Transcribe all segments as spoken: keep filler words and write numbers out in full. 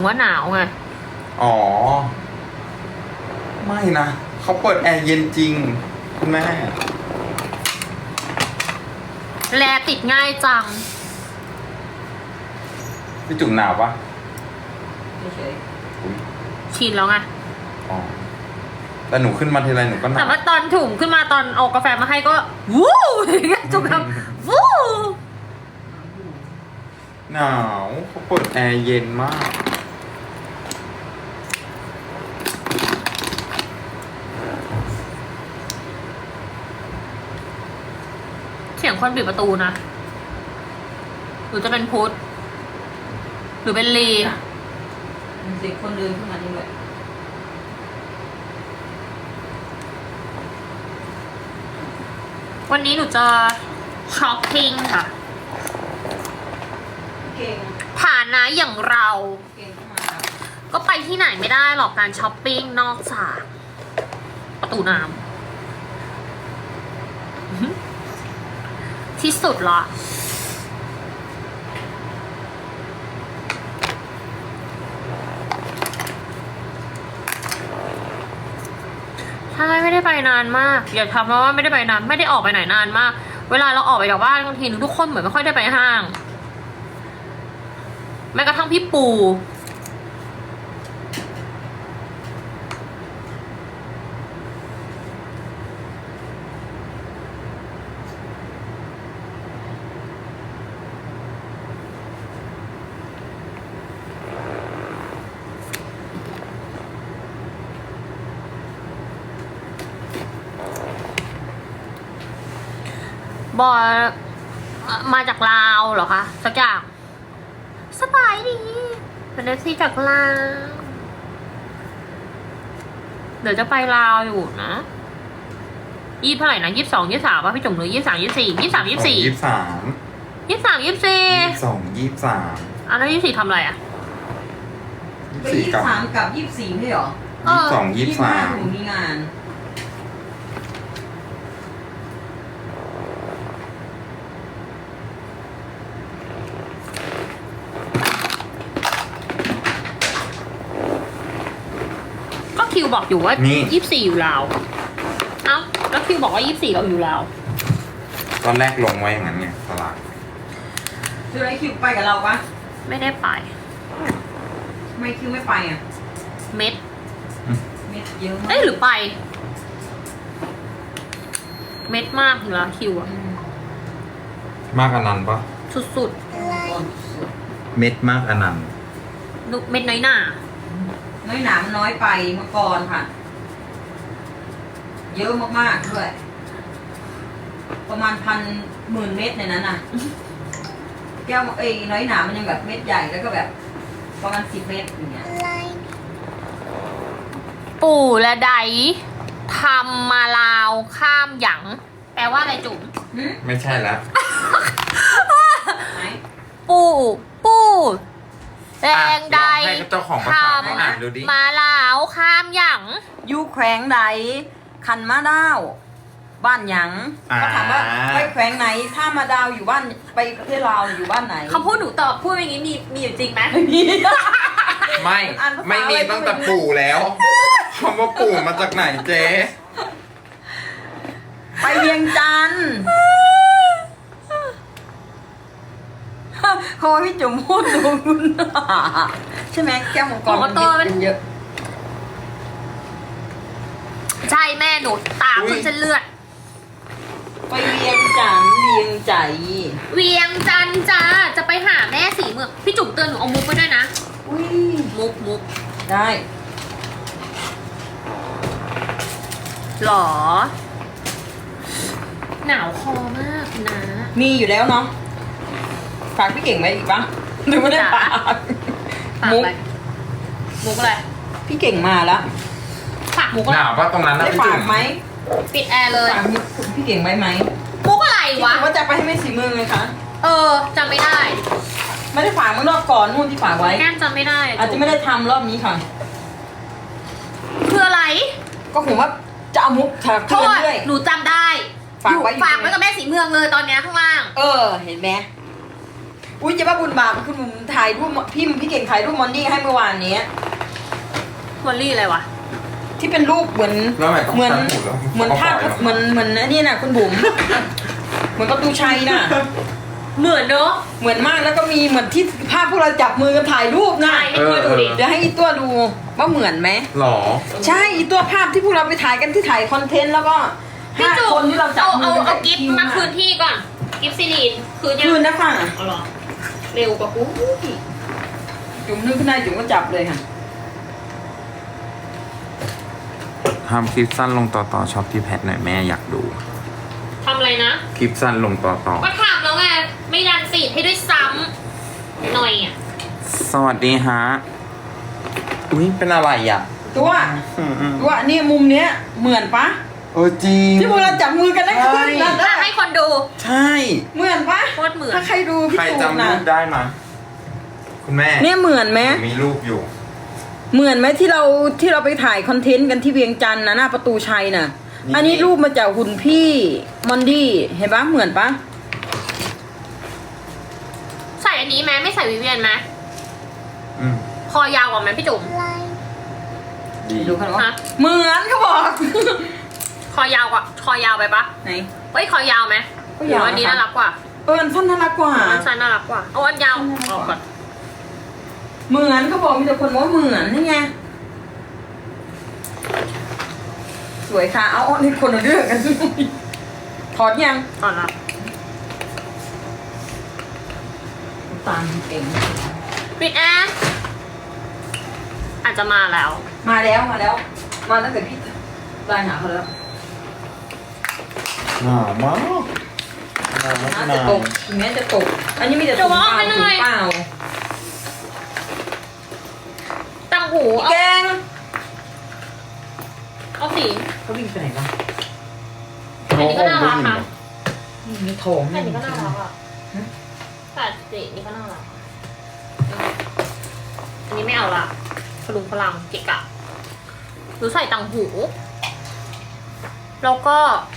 ว่าหนาวไงอ๋อไม่นะเขาเปิดแอร์เย็นจริงคุณแม่แลติดง่ายจังพี่จุ๋มหนาวปะไม่เฉยชินแล้วไงอ๋อแต่หนูขึ้นมาทีไรหนูก็หนาวแต่ว่าตอนถุงขึ้นมาตอนเอากาแฟมาให้ก็วู้อย่างเงี้ยจุกครับวู้หนาวเขาเปิดแอร์เย็นมากเสียงคนปิดประตูนะหรือจะเป็นพุทธหรือเป็นลีมีเสียงคนเดินขึ้นมานี่เลยวันนี้หนูจะช้อปปิ้งค่ะเก่งฐานะอย่างเราเก่งเข้ามาก็ไปที่ไหนไม่ได้หรอกการช้อปปิ้งนอกจากประตูน้ำที่สุดละใช่ไม่ได้ไปนานมากอย่าทำเพราะว่าไม่ได้ไปนานไม่ได้ออกไปไหนนานมากเวลาเราออกไปจากบ้านบางทีทุกคนเหมือนไม่ค่อยได้ไปห้างแม้กระทั่งพี่ปูบอมาจากลาวเหรอคะสักอย่างสบายดีเป็นเอฟซีจากลาวเดี๋ยวจะไปลาวอยู่นะยี่เท่าไหร่นะยี่สิบสองยี่สิบสามป่ะพี่จุ๋มหรือยี่สิบสามยี่สิบสี่ยี่สิบสามยี่สิบสี่ยี่สิบสามยี่สิบสามยี่สิบสี่ยี่สิบสองยี่สิบสามอ่ะแล้วยี่สิบสี่ทำอะไรอ่ะไปยี่สิบสามกับยี่สิบสี่ไม่เหรอยี่สิบสองยี่สิบสามหนูมีงานคิวบอกอยู่ว่ายี่สิบสี่อยู่ลาวเอ้าแล้วคิวบอกว่ายี่สิบสี่เราอยู่ลาวตอนแรกลงไว้อย่างนั้นไงตลาดคือไอคิวไปกับเราปะไม่ได้ไปทำไมคิวไม่ไปอ่ะเม็ดเม็ดเยอะมากเอ้ยหรือไปเม็ดมากอยู่แล้วคิวอะมากอนันต์ปะสุดๆเม็ดมากอนันต์เม็ดน้อยหน้าน้อยหนามันน้อยไปเมื่อก่อนค่ะ เยอะมากๆด้วยประมาณพันหมื่นเม็ดในนั้นน่ะแก้วเอ้ยน้อยหนามันยังแบบเม็ดใหญ่แล้วก็แบบประมาณสิบเม็ดอย่างเงี้ยปู่และไดทำมาลาวข้ามหยังแปลว่าอะไรจุ๋มไม่ใช่แล้วปู่ปู่แรงใดทำมาลาวข้ามหยังอยู่แขวงใดคันมาดาวบ้านหยังเขาถามว่าไปแขวงไหนถ้ามาดาวอยู่บ้านไปประเทศลาวอยู่บ้านไหนเขาพูดหนูตอบพูดอย่างนี้มีมีอยู่จริงไหมไม่มีไม่ไม่มีตั้งแต่ปู่แล้วคำว่าปู่มาจากไหนเจ๊ไปเวียงจันทร์พอพี่จุ๋มพูดดูคุณใช่ไหมแก้วมังกรมันเยอะใช่แม่หนูตามจนเส้นเลือดไปเวียงจันทร์เวียงใจเวียงจันทร์จ้าจะไปหาแม่สีเมืองพี่จุ๋มเตือนหนูเอามุกไปด้วยนะอุ้ยมุกมุกได้หรอหนาวคอมากนะมีอยู่แล้วเนาะฝากพี่เก่งไว้อีกปะหรือไม่ได้ฝากมุกมุกอะไรพี่เก่งมาแล้วฝากมุกหนาวป่ะตรงนั้นได้ฝากไหมปิดแอร์เลยฝากพี่เก่งไว้ไหมมุกอะไรวะว่าจะไปให้แม่สีเมืองไงคะเออจำไม่ได้ไม่ได้ฝากเมื่อรอบก่อนนู่นที่ฝากไว้แก้มจำไม่ได้อาจจะไม่ได้ทำรอบนี้ค่ะคืออะไรก็ผมว่าจะเอามุกเธอด้วยหนูจำได้ฝากไว้ฝากไว้กับแม่สีเมืองเลยตอนนี้ข้างล่างเออเห็นไหมอุ้ยจะว่าบุญบาปคุณบุ๋มถ่ายรูปพี่พี่เก่งถ่ายรูปมอนดี้ให้เมื่อวานนี้วอลลี่อะไรวะที่เป็นรูปเหมือนแล้วทำไมต้องเหมือนตัดหูแล้วเหมือนภาพเขาปล่อยเหมือนเหมือนอันนี่น่ะคุณบุ๋ม เหมือนประตูชัยน่ะเหมือนเนอะเหมือนมากแล้วก็มีเหมือนที่ภาพพวกเราจับมือกันถ่ายรูปนะใช่ให้ตัวดูดิเดี๋ยวให้อีตัวดูว่าเหมือนไหมหรอใช่อีตัวภาพที่พวกเราไปถ่ายกันที่ถ่ายคอนเทนต์แล้วก็พี่ห้าจุ๋คนที่เราจับเอามืเอาอกันเอากิฟต์มาคืนที่ก่อน กิฟต์ซีรีนคืนยังคืนนะค่ะเอาเหรอเร็วกว่ากูจุ๋มนึกขึ้นได้จุ๋มก็จับเลยค่ะทำคลิปสั้นลงต่อต่อช็อปที่แพทหน่อยแม่อยากดูทำอะไรนะคลิปสั้นลงต่อต่อก็ถามแล้วไง ไม่ดันฟีดให้ด้วยซ้ำหน่อยอ่ะสวัสดีฮะ อุ้ยเป็นอะไรอ่ะตัวอืมอืมตัวนี่มุมเนี้ยเหมือนปะเออจริงที่พวกเราจับมือกันได้ขึ้นใช่นั่นอ่ะน่ะให้คนดูใช่เหมือนปะโคตรเหมือนถ้าใครดูพี่ใครตูนจำนะรูปได้ไหมคุณแม่เนี่ยเหมือนไหมมีรูปอยู่เหมือนไหมที่เราที่เราไปถ่ายคอนเทนต์กันที่เวียงจันทร์นะหน้าประตูชัยน่ะนี่อันนี้รูปมาจากหุ่นพี่มอนดี้เห็นปะเหมือนปะใส่อันนี้ไหมไม่ใส่วิเวียนไหมอืมคอยาวกว่าไหมพี่จุ๋มดีดูกันว่าฮะเหมือนเขาบอกคอยาวกว่าคอยาวไปปะไหนเฮ้ยคอยาวไหมก็ยาวหรืออันนี้นะคะน่ารักกว่าเอออันสั้นน่ารักกว่าอันสั้นน่ารักกว่าเอาอันยาวออกก่อนเหมือนเขาบอกมีแต่คนบอกว่าเหมือนนี่ไงสวยค่ะเอาเอานี่คนละเรื่องกัน ถอดยังอ่อนละตามเองปิดแอร์อาจจะมาแล้วมาแล้วมาแล้ว มาตั้งแต่พี่ไลน์หาเขาแล้วหนามากหนามากน่าหจะนาตกถึงแม้จะตก อันนี้มีแต่ถุงเปล่าถุงเปล่าตังหูแกเอางเอาสีเขาวิ่งไปไหนวะอันนี้ก็น่ารักนะมีทองอันนี้ก็น่ารักอ่ะแต่สีนี่ก็น่ารักอันนี้ไม่เอาละพลุงพลังเกะกะหรือใส่ตังหู แล้วก็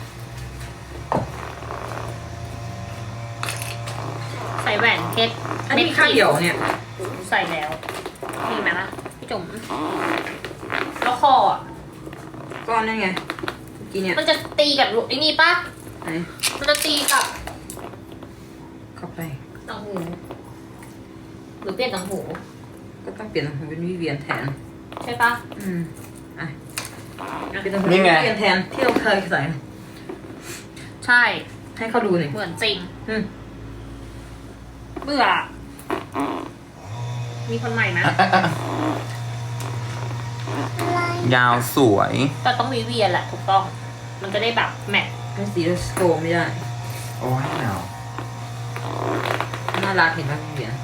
ใส่แหวนเพชรอันนี้มีค่าเดี่ยวเนี่ยใส่แล้วมีไหมล่ะพี่จุ๋มแล้วคออ่ะก้อนนั่นไงเมื่อกี้เนี่ยมันจะตีกับไอ้นี่ปะไหนมันจะตีกับเข้าไปตังหู หรือเปลี่ยนตังหูก็ต้องเปลี่ยนเป็นวิเวียนแทนใช่ปะอืมอ่ะเปลี่ยนเป็นวินี่ไงเวียนแทนที่เราเคยใส่ใช่ให้เขาดูหน่อยเหมือนจริงอืมเบื่อ มีคนใหม่ไหมยาวสวยแต่ต้องวิเวียนแหละถูกต้อง มันจะได้แบบแมทเป็นสีสโตมไม่ได้โอ้ยหนาวน่ารักเห็นไหมวิเวียน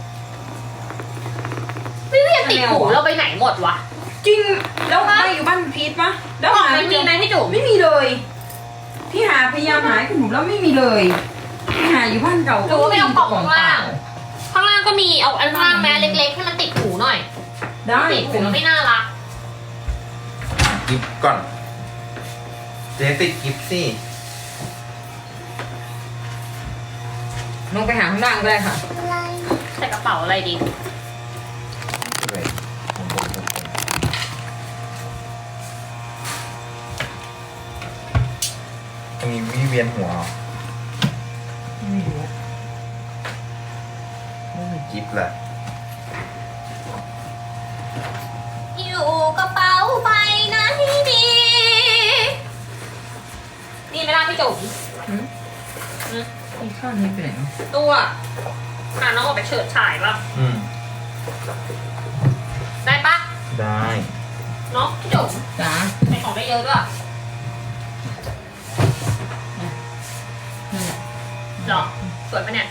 วิเวียนติดหูเราไปไหนหมดวะจริงแล้วไม่อยู่บ้านพีทปะแล้วบอกหามันมีไหมพี่จุ๋มไม่มีเลย พี่หาพยายามหาคุณหนูแล้วไม่มีเลยพี่หาอยู่บ้านเก่าหรือว่าไปเอากล่องข้างล่าง ข้างล่างก็มีเอาอันข้างล่างแม้เล็กๆให้มันติดหูหน่อยได้ติดหูแล้วไม่น่ารักกิฟก่อน เจ๊ติดกิฟสิลงไปหาข้างล่างก็ได้ค่ะใส่กระเป๋าอะไรดีตรงนี้วิเวียนหัวเหรอไม่รู้ไม่มีกิฟแหละอยู่กระเป๋าใบนั้นดี นี่ไม่ได้พี่จุ๋มหืมอืมไอ้ข้างนี้ไปไหนวะตัวพาน้องออกไปเฉิดฉายป่ะอืมได้ปะได้เนาะพี่จุ๋มจ๋าใส่ของได้เยอะด้วยนี่แหละเหรอสวยปะเนี่ย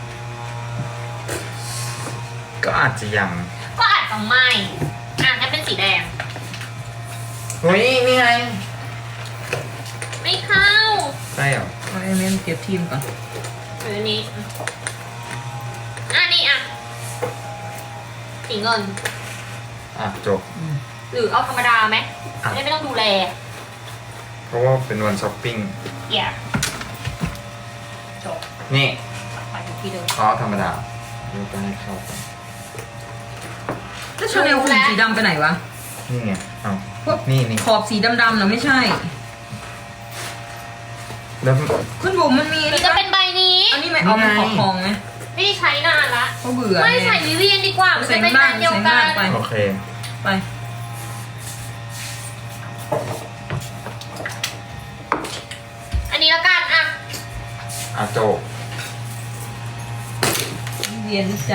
ก็อาจจะยังก็อาจจะไม่อ่ะงั้นเป็นสีแดงเฮ้ย นี่ไงไม่เข้าใช่เหรอเอาไอ้เมนเก็บทีมก่อนหรืออันนี้อ่ะนี่อ่ะสีเงินอ่ะ จบอืมหรือเอาธรรมดาไหมอ่ะจะได้ไม่ต้องดูแลเพราะว่าเป็นวันช้อปปิ้งเอี่ยจบนี่ไปถึงที่เดิมอ๋อธรรมดาอแล้วก็ให้เข้ากันแล้วชาแนลคุณสีดำไปไหนวะนี่ไงเอาพวกนี่นี่ขอบสีดำๆเนาะไม่ใช่แล้วคุณบุ๋มมันมีหรือจะเป็นใบนี้อันนี้ไหมเอามันขอบทองไหมไม่ได้ใช้นานละเขาเบื่อไม่ใส่วิเวียนดีกว่ามันใส่จะเป็นบ้าแบรง นด์เดียวใส่กับ้างนไปโอเคไปอันนี้แล้วกันอ่ะอาโจกเวียนใจ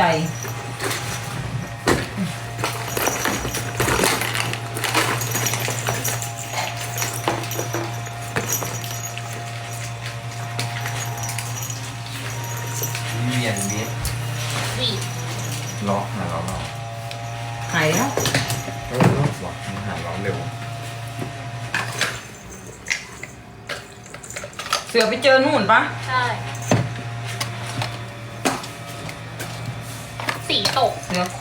เวียนวิทนี่ล็อกหาล็อกเราหายแล้วเออล็อกว่ะมันหาล็อกเร็วเสือไปเจอนู่นปะใช่ สีตกเสือ